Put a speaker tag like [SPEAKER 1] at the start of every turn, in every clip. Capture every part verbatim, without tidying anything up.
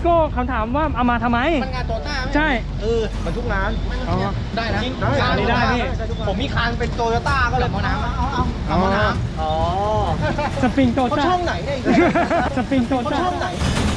[SPEAKER 1] พี่โก้เขาถามว่าเอามาทำไม
[SPEAKER 2] มันงานโตต้า
[SPEAKER 1] ใช่
[SPEAKER 2] เออมันทุกงานได้นะ
[SPEAKER 1] ได้ได้พี่
[SPEAKER 2] ผมมีคันเป็นโตโยต้าก็เลยเอาน้ำเอาเอาเอาน้ำอ๋อ
[SPEAKER 1] สปริงโตต้า
[SPEAKER 2] ช่องไหนเนี่ย
[SPEAKER 1] สปริงโตต้า
[SPEAKER 2] ช่องไหน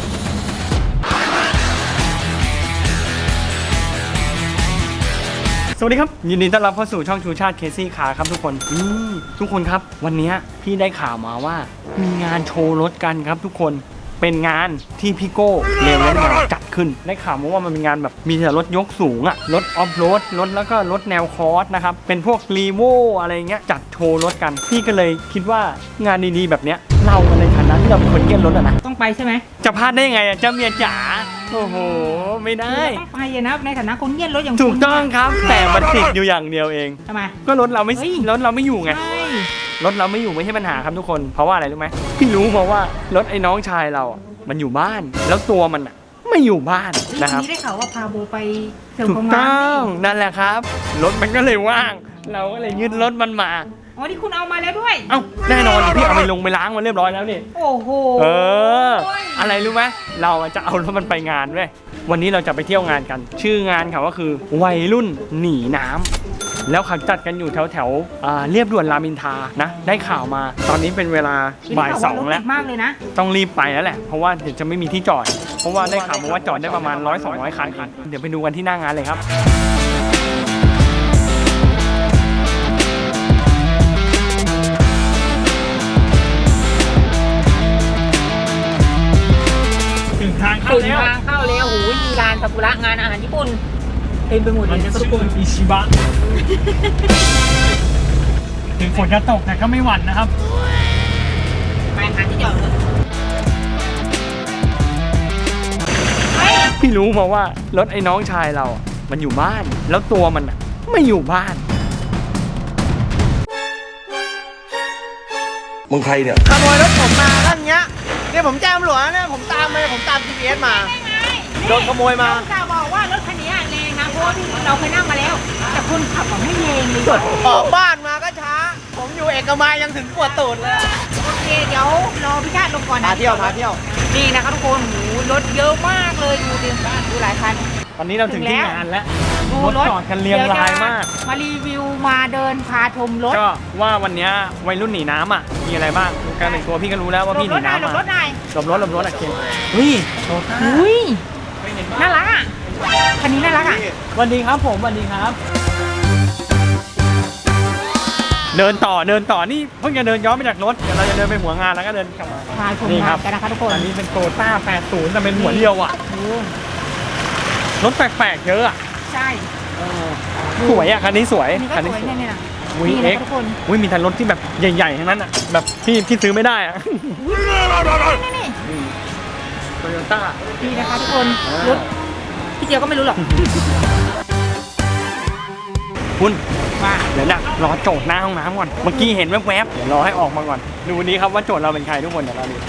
[SPEAKER 1] สวัสดีครับยินดีต้อนรับเข้าสู่ช่องชูชาติเคซี่คาร์ครับทุกคนนี่ทุกคนครับวันนี้พี่ได้ข่าวมาว่ามีงานโชว์รถกันครับทุกคนเป็นงานที่พี่โก้เรเวนมาจัดขึ้นได้ข่าวมาว่ามันเป็นงานแบบมีแต่รถยกสูงอะรถออฟโรดรถแล้วก็รถแนวคอร์สนะครับเป็นพวกรีโวอะไรเงี้ยจัดโชว์รถกันพี่ก็เลยคิดว่างานดีๆแบบเนี้ยเราในฐานะที่เราเป็นคนเกี้ยนรถอะนะ
[SPEAKER 3] ต้องไปใช่ไหม
[SPEAKER 1] จะพลาดได้ยังไงอะเจ้าเมียจ๋าโอ้โหไม่ได้
[SPEAKER 3] ต้องไปนะในฐานะคนเกี้ยนรถอย่าง
[SPEAKER 1] ถูกต้องครับแต่มันติดอยู่อย่างเดียวเอง
[SPEAKER 3] ทำไม
[SPEAKER 1] ก็รถเราไม่รถเราไม่อยู่ไงรถเราไม่อยู่ไม่ใช่ปัญหาครับทุกคนเพราะว่าอะไรรู้ไหมพี่รู้มาว่ารถไอ้น้องชายเรามันอยู่บ้านแล้วตัวมันอ่ะไม่อยู่บ้านนะครับ
[SPEAKER 3] นี่ได้ข่าวว่าพาโบไปเสริม
[SPEAKER 1] ถูกต้องนั่นแหละครับรถมันก็เลยว่างเราก็เลยยึดรถมันมา
[SPEAKER 3] อ๋อที่คุณเอามาแล้วด้วย
[SPEAKER 1] เอ้าแน่นอนพี่เอาไปลงไปล้างมาเรียบร้อยแล้วนี่
[SPEAKER 3] โอ้โห
[SPEAKER 1] เอออะไรรู้ไหมเราจะเอารถมันไปงานเว้ยวันนี้เราจะไปเที่ยวงานกันชื่องานเขาก็คือวัยรุ่นหนีน้ำแล้วเขาจัดกันอยู่แถวแถวเรียบด่วนรามอินทรานะได้ข่าวมาตอนนี้เป็นเวลาบ่ายสองแล้ว
[SPEAKER 3] มากเลยนะ
[SPEAKER 1] ต้องรีบไปแล้วแหละเพราะว่าเดี๋ยวจะไม่มีที่จอดเพราะว่าได้ข่าวมาว่าจอดได้ประมาณร้อยสองร้อยคันเดี๋ยวไปดูกันที่หน้างานเลยครับถึงทางเข้าแล้ว
[SPEAKER 3] ทางเข้าแล้วโอ้โหมีร้านซากุระงานอาหารญี่ปุ่นเต็มไปหมดเลย
[SPEAKER 1] ซากุระอิชิบะถึงฝนจะตกแต่ก็ไม่หวั่นนะครับ
[SPEAKER 3] ไปหาที่จอดเลย
[SPEAKER 1] พี่รู้มาว่ารถไอ้น้องชายเรามันอยู่บ้านแล้วตัวมันไม่อยู่บ้าน
[SPEAKER 2] มึงใครเนี่ยขโมยรถผมมาท่านเงี้ยเนี่ยผมแจ้งตำรวจเนี่ยผมตามมาผมตาม จี พี เอส มาโดนขโมยมา
[SPEAKER 3] จะบอกว่ารถคันนี้แรงนะเพราะว่าเราเคยนั่งมาแล้วแต่คนขับไม่แรงเลย
[SPEAKER 2] ออกบ้านมาก็ช้าผมอยู่เอกมัยยังถึงปวดตูดเลย
[SPEAKER 3] โอเคเดี๋ยวรอพี่ชาติลงก่อนนะ
[SPEAKER 2] พาเที่ยวพาเที่ยว
[SPEAKER 3] นี่นะคะทุกคนหูรถเยอะมากเลยดูดิดูหลายคัน
[SPEAKER 1] ตอนนี้เราถึงที่งานแล้วรถจอดกันเรียงรายมาก
[SPEAKER 3] มารีวิวมาเดินพาชมรถ
[SPEAKER 1] ก็ว่าวันนี้วัยรุ่นหนีน้ำอ่ะมีอะไรบ้างการแต่งตัวพี่ก็รู้แล้วว่าพี่หนีน้ำมา
[SPEAKER 3] หลบรถหน่อย
[SPEAKER 1] หลบรถหลบรถอ่ะเคนเฮ้ยโตต้า
[SPEAKER 3] อุ้ยน่ารักอ่ะคันนี้น่ารักอ่ะ
[SPEAKER 1] สวัสดีครับผมสวัสดีครับเดินต่อเดินต่อนี่เพิ่งจะเดินย้อนไปจากรถเดี๋ยวเราจะเดินไปหัวงานแล้วก็เดินกลับมา
[SPEAKER 3] พาชมงานกันนะคะทุกคน
[SPEAKER 1] อันนี้เป็นโตต้าแปดสิบแต่เป็นหัวเดียวอ่ะรถแปลกๆเยอะอ่ะ
[SPEAKER 3] ใช่
[SPEAKER 1] สวยอ่ะคันนี้สวย
[SPEAKER 3] คันนี้สวยเนี่ย
[SPEAKER 1] วีเอ็กอุ้ยมีแต่รถที่แบบใหญ่ๆทั้งนั้นอ่ะแบบพี่พี่ซื้อไม่ได้อ่ะ
[SPEAKER 3] นี่
[SPEAKER 1] โตโยต้า
[SPEAKER 3] ดีนะคะทุกคนรถพี่เจียวก็ไม่รู้หรอก
[SPEAKER 1] คุณมาเดี๋ยวนะรอโจทย์หน้าห้องน้ำก่อนเมื่อกี้เห็นแวบๆเดี๋ยวรอให้ออกมาก่อนดูวันนี้ครับว่าโจทย์เราเป็นใครทุกคนเดี๋ยวเราดู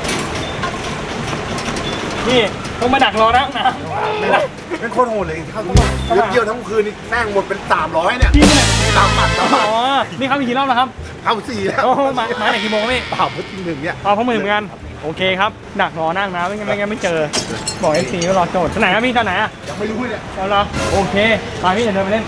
[SPEAKER 1] นี่ต้องมาดักรอหน้าห้องน้ำ
[SPEAKER 2] เป็นคนโหดเลยเขาต้องเยี่ยวทั้งคืนนี่นั่งหมดเป็นสามร้อยเนี่ยตามปัดตามปัด
[SPEAKER 1] อ๋อนี่เขามีกี่รอบแล้วครับ
[SPEAKER 2] เข้าสี่แล้ว
[SPEAKER 1] โอ้มามาไหนกี่โมงพี่
[SPEAKER 2] เปล่าเพิ่งทีหนึ่งเนี่ย
[SPEAKER 1] อ๋อเพิ่งมือเหมือนกันโอเคครับดักรอนั่งนะไม่งั้นไม่งั้นไม่เจอบอกเอฟซีว่ารอโจทย์ที่ไหนครับพี่ที่ไหนอ่ะ
[SPEAKER 2] ยังไม่รู้เนี่ย
[SPEAKER 1] เอาละโอเคไปพี่เดี๋ยวเดินไปเล่น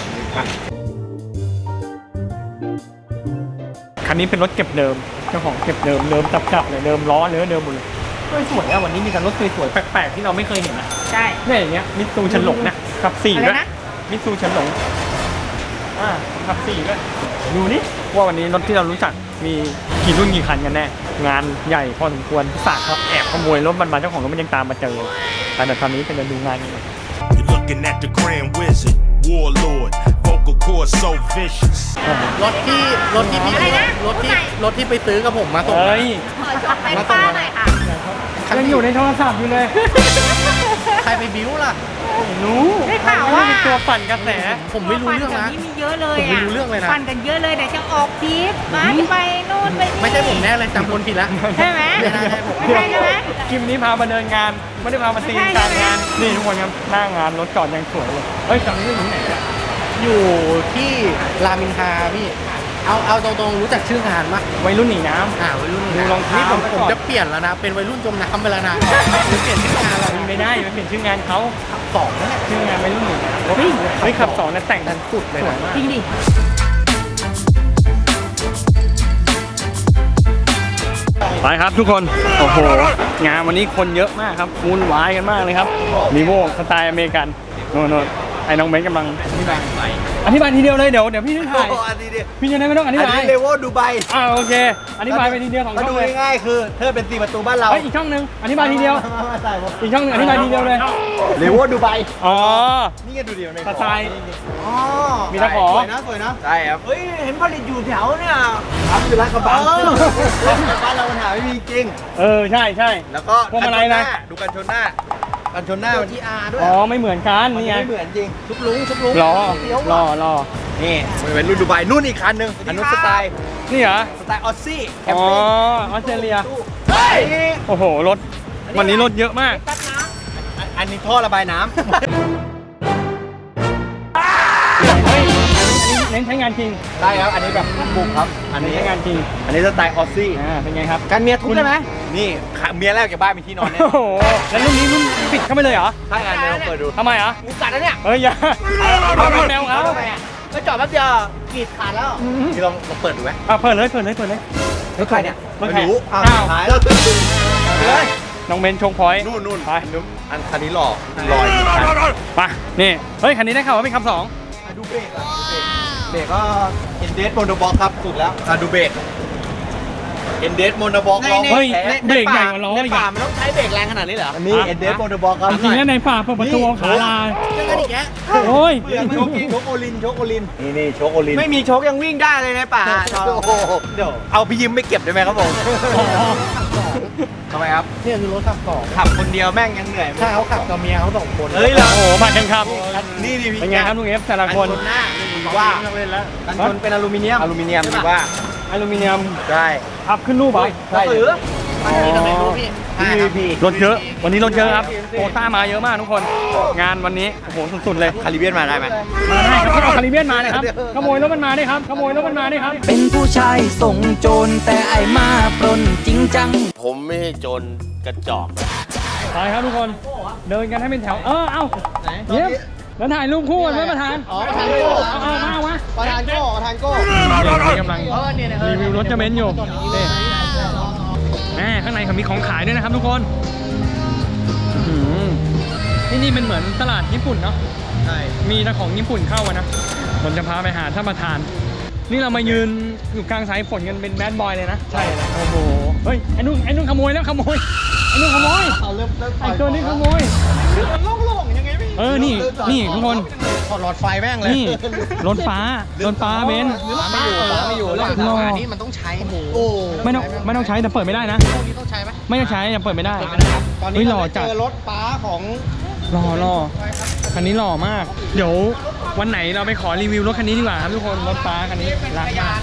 [SPEAKER 1] คันนี้เป็นรถเก็บเดิมเจ้าของเก็บเดิมเดิมจับๆเลยเดิมล้อเนื้อเดิมหมดเลยสวยอะวันนี้มีแต่รถสวยๆแปลกๆที่เราไม่เคยเห็นนะ
[SPEAKER 3] ใช่
[SPEAKER 1] เนี่ยอย่างเงี้ยมิตซูเฉินหลงนะขับสี่ด้วยมิตซูเฉินหลงอ่าขับสี่ด้วยดูนี่ว่าวันนี้รถที่เรารู้จักมีกี่รุ่นกี่คันกันแน่งานใหญ่พอสมควรศาสตร์ครับแอบขโมยรถมันมาเจ้าของรถมันยังตามมาเจอแต่ตอนนี้เป็นดูงานกัน
[SPEAKER 2] รถที่รถที่พี่รถที่รถที่ไปซื้อกับผมมาส่ง
[SPEAKER 1] เฮ้ย
[SPEAKER 3] มาป้าหน่อยค่ะ
[SPEAKER 1] ยังอยู่ในโทรศัพท์อยู่เลย
[SPEAKER 2] ใครไปบิ้วล่ะ
[SPEAKER 1] รู้
[SPEAKER 3] ได้ข่าวว่า
[SPEAKER 1] เป็นตัวปั่นกระแส
[SPEAKER 2] ผมไม่รู้เรื่องนะ
[SPEAKER 3] นี่มีเยอะเลย
[SPEAKER 2] อ่ะผมไม่รู้เรื่องเลยนะ
[SPEAKER 3] ปั่นกันเยอะเลยแต่จะออกพีทมาไปนู่นไปนี่
[SPEAKER 2] ไม่ใช่ผมแน่เลยจำคนผิดแล้ว
[SPEAKER 3] ใช่ไหม
[SPEAKER 2] ไม่ได้ผม
[SPEAKER 3] ไม่ใช่ใช่ไหม
[SPEAKER 1] คลิปนี้พามาเดินงานไม่ได้พามาตีการงานนี่ทุกคนครับหน้างานรถจอดยังสวยเลยเฮ้ยจำได้ที่ไหนอ่ะ
[SPEAKER 2] อยู่ที่รามอินทราพี่เอาเอาตรงๆรู้จักชื่องานปะ
[SPEAKER 1] วัยรุ่นหนีน้
[SPEAKER 2] อ่าวัยรุ่น
[SPEAKER 1] ดูรองเท้า
[SPEAKER 2] นี่ผม
[SPEAKER 1] ไป
[SPEAKER 2] ผม
[SPEAKER 1] ก่อน
[SPEAKER 2] จะเปลี่ยนแล้วนะ เป็นวัยรุ่นจมน้ำไปแล้วนะผมเปลี่ยนชื่องานแล้ว
[SPEAKER 1] ำไม่ได้มันเปลี่ยนชื่องานเขา
[SPEAKER 2] สองนั่นแหละ
[SPEAKER 1] ชื่องานวัยรุ่นหนีน้ำเฮ้ยเฮ้ยขับสองนะแต่ง
[SPEAKER 2] ดันสุดเลย
[SPEAKER 1] สวย
[SPEAKER 2] นะ
[SPEAKER 1] มาก
[SPEAKER 3] จริงดิ
[SPEAKER 1] ไปครับทุกคน โอ้โห งานวันนี้คนเยอะมากครับวุ่นวายกันมากเลยครับมีโวสไตล์อเมริกันโน่นๆไอ้น้องเบนซ์กำลังอธิบายอธิบายทีเดียวเลยเดี๋ยวเดี๋ยวพี่จะถ่าย
[SPEAKER 2] อันนี้ดิ
[SPEAKER 1] พี่จะได้ไม่ต้องอธิ
[SPEAKER 2] อัน
[SPEAKER 1] บาย
[SPEAKER 2] นี้เลเวลดูไบ
[SPEAKER 1] อ่าโอเค อธิบายไปทีเดียวสอง
[SPEAKER 2] มา
[SPEAKER 1] ช่
[SPEAKER 2] ดู
[SPEAKER 1] องเลย
[SPEAKER 2] ง่ายๆคือเธอเป็นสี่ประตูบ้านเรา
[SPEAKER 1] เฮ้ยอีกช่องหนึ่งอธิบายทีเดียว
[SPEAKER 2] มามาใส่ผม
[SPEAKER 1] อีกช่องหนึงอธิบายทีเดียวเลย
[SPEAKER 2] เลเวลดูไบ
[SPEAKER 1] อ๋อ
[SPEAKER 2] นี่ไงดูดิใน
[SPEAKER 1] สไตล์
[SPEAKER 2] อ๋อ
[SPEAKER 1] มีตะขอ
[SPEAKER 2] สวยนะสวยนะใช่ครับเฮ้ยเห็นผลิตอยู่แถวเนี่ยทำอยู่ร้านกระบังบ้านเราปัญหาไม่มีจริง
[SPEAKER 1] เออใช่ใช่
[SPEAKER 2] แล้วก็
[SPEAKER 1] พวงมาลัยนะ
[SPEAKER 2] ดูกันชนหน้ากันชนหน้ามันที่อาร์ด้วย
[SPEAKER 1] อ๋อไม่เหมือนกัน
[SPEAKER 2] มัน
[SPEAKER 1] นี่ไง
[SPEAKER 2] ไม่เหมือนจริงทุกลุงทุกลุง
[SPEAKER 1] รอ
[SPEAKER 2] เฟี้ยว
[SPEAKER 1] รอ
[SPEAKER 2] ว่ะ
[SPEAKER 1] รอ
[SPEAKER 2] นี่เป็นรุ่นดูไบนู่นอีกคันหนึ่งอันนู้นสไตล์
[SPEAKER 1] นี่เหรอ
[SPEAKER 2] สไตล์ออสซี่แคม
[SPEAKER 1] อ๋อ
[SPEAKER 2] ปิ้ง
[SPEAKER 1] ออสเตรเลีย
[SPEAKER 2] เฮ้ย
[SPEAKER 1] โอ้โหรถวันนี้รถเยอะมาก
[SPEAKER 3] แป๊บนะ
[SPEAKER 2] อันอันนี้ท่อระบายน้ำ
[SPEAKER 1] เฮ้ยเน้นใช้งานจริง
[SPEAKER 2] ได้ครับ อันนี้แบบบุกครับ อัน
[SPEAKER 1] เน้น
[SPEAKER 2] นี้
[SPEAKER 1] ใช้งานจริง
[SPEAKER 2] อันนี้สไตล์ออสซี่
[SPEAKER 1] อ่าเป็นไงครับ
[SPEAKER 2] กันเมียทุบได้ไหมนี่ขาเมียแรกจากบ้านมีที่นอนเนี่ย
[SPEAKER 1] โอ้โหแล้วรุ่นนี้รุ่นปิดเข้าไปเลยเหรอ
[SPEAKER 2] ถ้าอันนี้เราเปิดดู
[SPEAKER 1] ทำไมอ่ะ
[SPEAKER 2] งูกัดแล้วเนี่ย
[SPEAKER 1] เฮ้ยอย่าเอาแนวเขา
[SPEAKER 2] ก็จอดแป๊บเดียวกรีดขาดแล้วนี่ลองลองเปิดดูไหม
[SPEAKER 1] อ่ะเปิดเลยเปิดเลยเปิดเลย
[SPEAKER 2] รถใครเนี่ย
[SPEAKER 1] รถใคร
[SPEAKER 2] ไม่รู้อ้าว
[SPEAKER 1] อ้าว
[SPEAKER 2] หายแล้วเลย
[SPEAKER 1] น้องเบนชงพอยต์
[SPEAKER 2] นู่นนู่น
[SPEAKER 1] ไป
[SPEAKER 2] อันคันนี้หล่อลอยอยู่คัน
[SPEAKER 1] ไปนี่เฮ้ยคันนี้ได้ข่าวว่าเป็นคำสอง
[SPEAKER 2] อ่ะดูเบรกอ่ะดูเบรกเบรกก็เอ็นเดสโมโนบ็อกครับสุดแล้วอ่ะดูเบรกเอ็นเดสโมโนบ็อกลอง
[SPEAKER 1] เฮ้ย
[SPEAKER 2] ใน
[SPEAKER 1] เบรกใหญ่กว่าล้อ
[SPEAKER 2] ใน
[SPEAKER 1] อีก
[SPEAKER 2] ป่า
[SPEAKER 1] อ่ะ
[SPEAKER 2] มันต้องใช้เบรกแรงขนาดนี้เหรออันนี้เอ็นเดสโมโนบ็อกครับ
[SPEAKER 1] จริงๆแล้วในป่าเปิดประตูเอาขาลา
[SPEAKER 2] เจอกันอีกแล้ว
[SPEAKER 1] โอ้ย
[SPEAKER 2] เบื่อโชกโชกโอลินโชกโอลินนี่นี่โชกโอลินไม่มีโชกยังวิ่งได้เลยในป่าโอ้โหเดี๋ยวเอาพี่ยิ้มไม่เก็บได้ไหมครับผมทำไมครับนี่คือรถขับสองขับคนเดียวแม่งยังเหนื่อยใช่เขาขับกับเมียเขาสองคนเฮ้ยเหรอ
[SPEAKER 1] โอ้โหผ่านกันครับ
[SPEAKER 2] นี่นี่พี่
[SPEAKER 1] เป็นไงครับลุงเอฟแต่ละคน
[SPEAKER 2] กันชนหน้ามีว่ากันชนเป็นอลูมิเนียมอลูมิเนียมมีว่า
[SPEAKER 1] อลูมิเนียม
[SPEAKER 2] ใช่
[SPEAKER 1] อัพขึ้นรูปเหรอ
[SPEAKER 2] ใช่หรือ
[SPEAKER 1] อ๋อ
[SPEAKER 2] พี
[SPEAKER 1] รถเยอะ วันนี้รถเยอะครับโอต้ามาเยอะมากทุกคน งานวันนี้โอ้โหสุดๆเลย
[SPEAKER 2] คาริเบียนมาได้ไหม
[SPEAKER 1] มาได้ครับเอาคาริเบียนมาเลยครับขโมยรถมันมาได้ครับขโมยรถมันมาได้ครับ
[SPEAKER 4] เป็นผู้ชายส่งโจรแต่ไอมาปล้นจริงจัง
[SPEAKER 5] ผมไม่ใช่โจรกระจอก
[SPEAKER 1] ไปครับทุกคน เดินกันให้เป็นแถว เออ เอ้าเยี่ยมแล้วถ่ายรูปคู่กันไหมประธาน
[SPEAKER 2] อ๋อประธานโก้
[SPEAKER 1] เอาเอามาเอามา
[SPEAKER 2] ประธานโก้ประธานโก้
[SPEAKER 1] นี่กำลังรีวิวรถจะเบนซ์อยู่นี่แหมข้างในเขามีของขายด้วยนะครับทุกคนอื้อหือที่นี่เป็นเหมือนตลาดญี่ปุ่นเนาะ
[SPEAKER 2] ใช่
[SPEAKER 1] มีแต่ของญี่ปุ่นเข้ามานะ ผมจะพาไปหาท่านประธาน นี่เรามายืนอยู่กลางสายฝนกันเป็นแบดบอยเลยนะ ใช่ โอ้โห เฮ้ย ไอ้นุ่นไอ้นุ่นขโมยแล้วขโมย ไอ้นุ่นขโมย
[SPEAKER 2] เอาเริ่มเริ่ม
[SPEAKER 1] ไอ้ตัวนี้ขโมย
[SPEAKER 2] มันโล่งๆยังไงพี่
[SPEAKER 1] เออ นี่ นี่ทุกคน
[SPEAKER 2] ถอดหลอดไฟแม่งเลย
[SPEAKER 1] นี่ รถฟ้า รถฟ้าเบนซ์
[SPEAKER 2] ไม่อยู่ไม่อยู่แล้ว
[SPEAKER 1] รอ
[SPEAKER 2] นี่มันต้องใช้โอ้
[SPEAKER 1] ไม่ต้องไม่ต้องใช้แต่เปิดไม่ได้นะ
[SPEAKER 2] พวกนี้ต้องใช้ไหม
[SPEAKER 1] ไม่ต้องใช้ยังเปิดไม่ได้
[SPEAKER 2] ตอน
[SPEAKER 1] เฮ้
[SPEAKER 2] นี้
[SPEAKER 1] ยหล่
[SPEAKER 2] เรา
[SPEAKER 1] อจัด
[SPEAKER 2] เจอรถป้าของ
[SPEAKER 1] หล่อหล่อคันนี้หล่อมาก เดี๋ยววันไหนเราไปขอรีวิวรถคันนี้ดีกว่าครับทุกคน รถฟ้าคันนี้รักมาก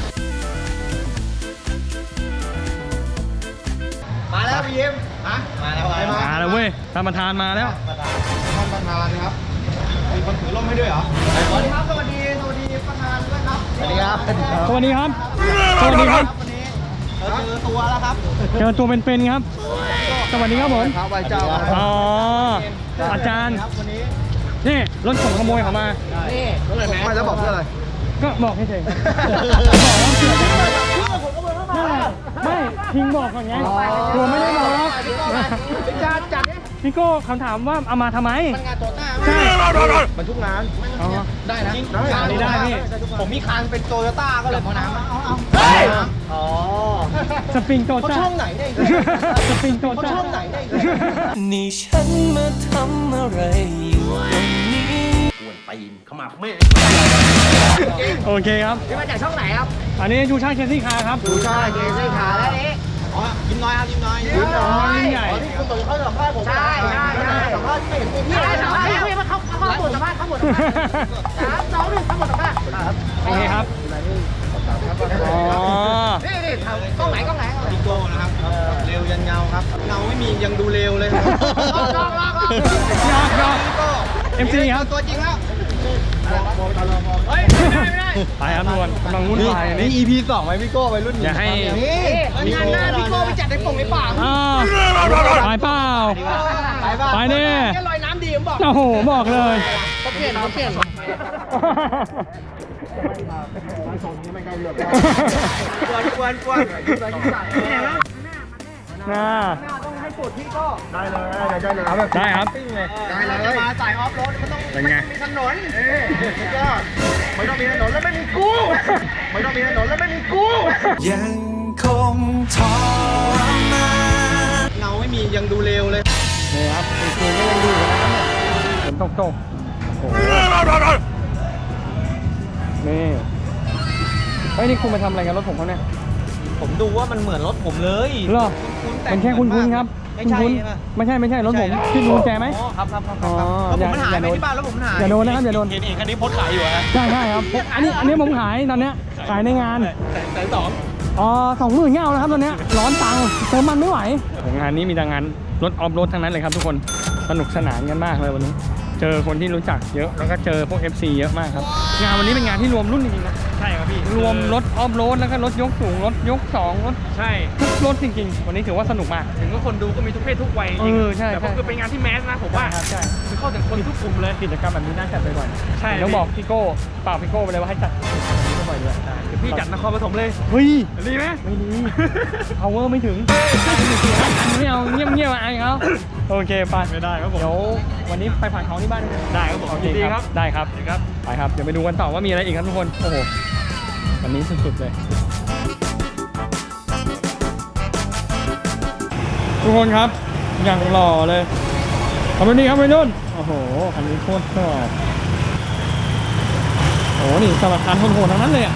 [SPEAKER 2] มาแล้วพี่ยิ้มฮะมาแล้ว
[SPEAKER 1] มาแล้วเว้ยท่านประธานมาแล้ว
[SPEAKER 2] ท่านประธานครับมีคนถือร่มให้ด้วยเหรอสวัสดีครับสวัสดีสวัสดีประธานด้วยครับสวัสดีครับ
[SPEAKER 1] สวัสดีครับ สวัสดีครับ
[SPEAKER 2] วันนี้เราเจอตัวแล้วครับ
[SPEAKER 1] เจอตัวเป็นๆครับ สวัสดีครับผม
[SPEAKER 2] ครับไหว้เจ้า
[SPEAKER 1] อ๋อ อาจารย์
[SPEAKER 2] ครับวันนี้
[SPEAKER 1] นี่รถของขโมยเขามา
[SPEAKER 2] นี่ไม่แล้วบอกเพื่ออะไร
[SPEAKER 1] ก็บอกเฉยๆครับบอกว่าเสือกนั่นแหละไม่พิงบอกก่อนไงกลัวไม่ได้บอก
[SPEAKER 2] จัดจัด
[SPEAKER 1] พี่โก้คำถามว่าเอามาทำไม
[SPEAKER 2] งานโตต้า
[SPEAKER 1] ใช่
[SPEAKER 2] มันทุกงาน
[SPEAKER 1] อ๋อ
[SPEAKER 2] ได้นะ
[SPEAKER 1] ได้ได้พี่
[SPEAKER 2] ผมมีคันเป็นโตโยต้าก็เลยเอาน้ำเอาเอา
[SPEAKER 1] เฮ้ย
[SPEAKER 2] อ๋อ
[SPEAKER 1] สปริงโต
[SPEAKER 2] เขา
[SPEAKER 1] ต้า
[SPEAKER 2] ช่องไหนได้
[SPEAKER 1] สปริงโต
[SPEAKER 2] เขา
[SPEAKER 1] ต้า
[SPEAKER 2] ช่องไหนได้
[SPEAKER 4] นี่ฉันมาทำอะไรอยู่ตรงนี้
[SPEAKER 1] โอเคครับ
[SPEAKER 2] นี่มาจากช่องไหนครับ
[SPEAKER 1] อันนี้ชูชาติเคซี่คาร์ครับ
[SPEAKER 2] ดูใช่เกซี่ขาแล้วนี่อ๋อยิ้มน้อยครับยิ้มน้อยยิ้มน้อย
[SPEAKER 1] ยิ้มใหญ่
[SPEAKER 2] อ๋อที่คุณตุ๋ยเขาสัมภาษณ์ผมใช่ใช่ใช่สัมภาษณ์ที่ไม่เห็นมีพี่
[SPEAKER 3] ใช่
[SPEAKER 2] เลย
[SPEAKER 3] สั
[SPEAKER 2] สั
[SPEAKER 3] ม
[SPEAKER 2] ม
[SPEAKER 3] ภา
[SPEAKER 2] ภา
[SPEAKER 3] ษ
[SPEAKER 2] ษ
[SPEAKER 3] ณ์
[SPEAKER 2] ณ์
[SPEAKER 3] เขาเขาเขาหมดสัมภาษณ์เขาหมดสัมภาษณ์สามสองหนึ่งเขาหมดสัมภาษณ์
[SPEAKER 1] โอเคครับ อ๋อ
[SPEAKER 2] นี่นี่ทำกล้องไหนกล้องไหนพี่โก้นะครับเร็วยันเงาครับเงาไม่มียังดูเร็วเลยครับลอกลอกลอก
[SPEAKER 1] ยอดยอด
[SPEAKER 2] พี่โก้
[SPEAKER 1] เอ็มซีครับ
[SPEAKER 2] ตัวจริงแล้วเฮ้ยไม่ได้ไม่ได้
[SPEAKER 1] ไปครับทุกคนกำลังวุ่นวายอัน
[SPEAKER 2] นี่
[SPEAKER 1] นี่
[SPEAKER 2] อี พี สองไหมพี่โก้ไปรุ่น
[SPEAKER 1] อย่าให้
[SPEAKER 2] นี่งานหน้าพี่โก้ไปจัดในป่งในป่า
[SPEAKER 1] อ้าวไปเปล่า
[SPEAKER 2] ไปบ้า
[SPEAKER 1] ไปดิ
[SPEAKER 2] แค่ลอยน้ำดีผมบอก
[SPEAKER 1] โอ้โหบอกเลย
[SPEAKER 2] เขาเปลี่ยนเขาเปลี่ยน กวนกวนกวน
[SPEAKER 1] น่า
[SPEAKER 2] ต้องให้ปวดพี่ก็ได้เลยได้เลยเอาแบบ
[SPEAKER 1] ได้ครับ
[SPEAKER 2] ได้เลยมาสายออฟโรดมันต้อง
[SPEAKER 1] เป็นไง
[SPEAKER 2] มีถนนพี่ก็ไม่ต้องมีถนนแล้วไม่มีกูไม่ต้องมีถนนแล้วไม่มีกู
[SPEAKER 4] ยังคงทรมาน
[SPEAKER 2] เงาไม่มียังดูเร็วเลย
[SPEAKER 1] นี่ครับคุณครูก็ยังดูอยู่นะครับเนี่ยฝนตกตกโอ้โหนี่เฮ้ยนี่คุณมาทำอะไรกันรถผมเขาเนี่ย
[SPEAKER 2] ผมดูว่ามันเหมือนรถผมเลย
[SPEAKER 1] เหรอเป็นแค่คุณคุณครับ
[SPEAKER 2] ไม่ใช่
[SPEAKER 1] คุณ
[SPEAKER 2] ใช่ไหม
[SPEAKER 1] ไม่ใช่ไม่ใช่รถผมที่ดูแจไหม
[SPEAKER 2] อ๋อครับครับครับ
[SPEAKER 1] อ๋อ
[SPEAKER 2] แล้วผมมันหาย
[SPEAKER 1] อย่า
[SPEAKER 2] ไป
[SPEAKER 1] โดน
[SPEAKER 2] ที่บ้านแล้วผมมันหาย
[SPEAKER 1] อย่าโดนนะครับอย่าโดน
[SPEAKER 2] เห็นเองคันนี้โพสต์ขายอยู่ฮะ
[SPEAKER 1] ใช่ใช่ครับอันนี้อันนี้ผมขายตอนเนี้ยขายในงาน
[SPEAKER 2] แสนสอง
[SPEAKER 1] อ๋อสองหมื่นเงาแล้วครับตอนเนี้ยร้อนตังค์เติมมันไม่ไหวงานนี้มีแต่งานรถออฟโรดทั้งนั้นเลยครับทุกคนสนุกสนานกันมากเลยวันนี้ เจอคนที่รู้จักเยอะแล้วก็เจอพวก เอฟ ซี เยอะมากครับงานวันนี้เป็นงานที่รวมรุ่นจริงๆนะใช่ครับพี่รวมรถออฟโรดแล้วก็รถยกสูงรถยกสองรถใช่ทุกรถจริงๆ วันนี้ถือว่าสนุกมากถึงว่าคนดูก็มีทุกเพศทุกวัยเออใช่แต่ก็คือเป็นงานที่แมสนะผมว่าใช่คือเข้าถึงคนทุกกลุ่มเลยกิจกรรมแบบนี้น่าจัดบ่อยๆใช่ต้องบอกพี่โก้เปล่าพี่โก้ไปเลยว่าให้จัดบ่อยๆด้วยเดี๋ยวพี่จัดนครปฐมเลยเฮ้ยดีไหมไม่ดี power ไม่ถึงไม่เอาเงียบๆอายเขาโอเคไปไม่ได้ครับผมเดี๋ยววันนี้ไปผ่านของที่บ้านได้ครับผมโอเคครับได้ครับครับไปครับเดี๋ยวไปดูกันต่อว่ามีอะไรอีกครับทุกคนโอ้โหวันนี้สุดๆเลยทุกคนครับอย่างหล่อเลยขอบคุณดีครับไปนุ่นโอ้โหอันนี้โคตรชอบโอ้โหนี่สลัดการโหดๆทั้งนั้นเลยอ่ะ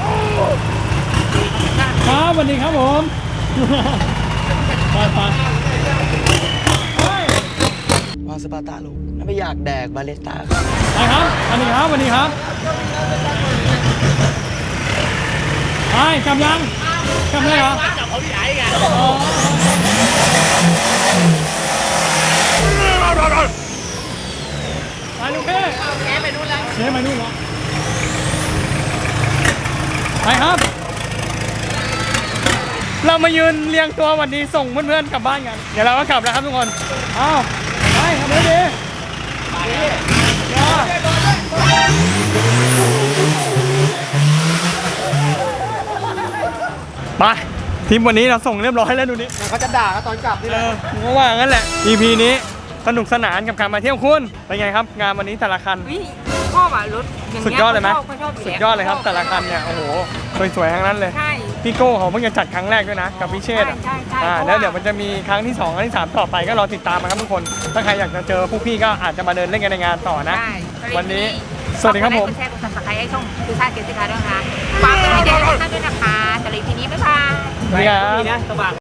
[SPEAKER 1] ครับสวัสดีครับผมไปไป
[SPEAKER 4] วางสปาร์ตาลูกแล้วไม่อยากแดกบาเลสตา
[SPEAKER 1] ไปครับสวัสดีครับสวัสดีครับไปกลับยังกลับเลยเหรอจับเขาที่ไหนกันไปลูกเพ่แกไปนู่นแล้วแกไปนู่นแล้วไปครับ เรามายืนเรียงตัววันนี้ส่งเพื่อนๆกลับบ้านกันเดี๋ยวเราก็กลับแล้วครับทุกคนอ้าวไปทำเลยดีไปทีมวันนี้เราส่งเรียบร้อยแล้วดูนี่
[SPEAKER 2] เขาจะด่ากันตอนกลับนี่แห
[SPEAKER 1] เอ
[SPEAKER 2] ละ
[SPEAKER 1] อผมก็ว่างั้นแหละ อี พี นี้สนุกสนานกับการมาเที่ยวคุณเป็นไงครับ งานวันนี้แต่ละคัน
[SPEAKER 3] วิชอบอ่ะรถอย่าง
[SPEAKER 1] สุด
[SPEAKER 3] เงี้ย
[SPEAKER 1] ยอดเลยไหม
[SPEAKER 3] ขาชอบ
[SPEAKER 1] สุดยอดเลยครับแต่ละคันเนี่ยโอ้โหสวยๆทั้งนั้นเลย
[SPEAKER 3] ใช่
[SPEAKER 1] พี่โก้เขาเพิ่งจะจัดครั้งแรกด้วยนะกับพี่เชษฐ์อะ
[SPEAKER 3] ใช่ใช่
[SPEAKER 1] อ่า
[SPEAKER 3] เพราะว่า
[SPEAKER 1] แล้วเดี๋ยวมันจะมีครั้งที่สองครั้งที่สามต่อไปก็รอติดตามมาครับทุกคน ถ้าใครอยากจะเจอพวกพี่ก็อาจจะมาเดินเล่นกันในงานต่อนะ
[SPEAKER 3] ใช่
[SPEAKER 1] วันนี้สวัสดีครับผม
[SPEAKER 3] กดไลค์กดแชร์กดซับสไครต์ให้ช่องคือชาติเกษตรกรด้วยนะคะฝากเป็นกำลังใจให้ท่านด้วยนะคะสำหรับ อี พี นี้บ๊ายบาย
[SPEAKER 1] สวัสดีครับ
[SPEAKER 2] นี่นะสบาย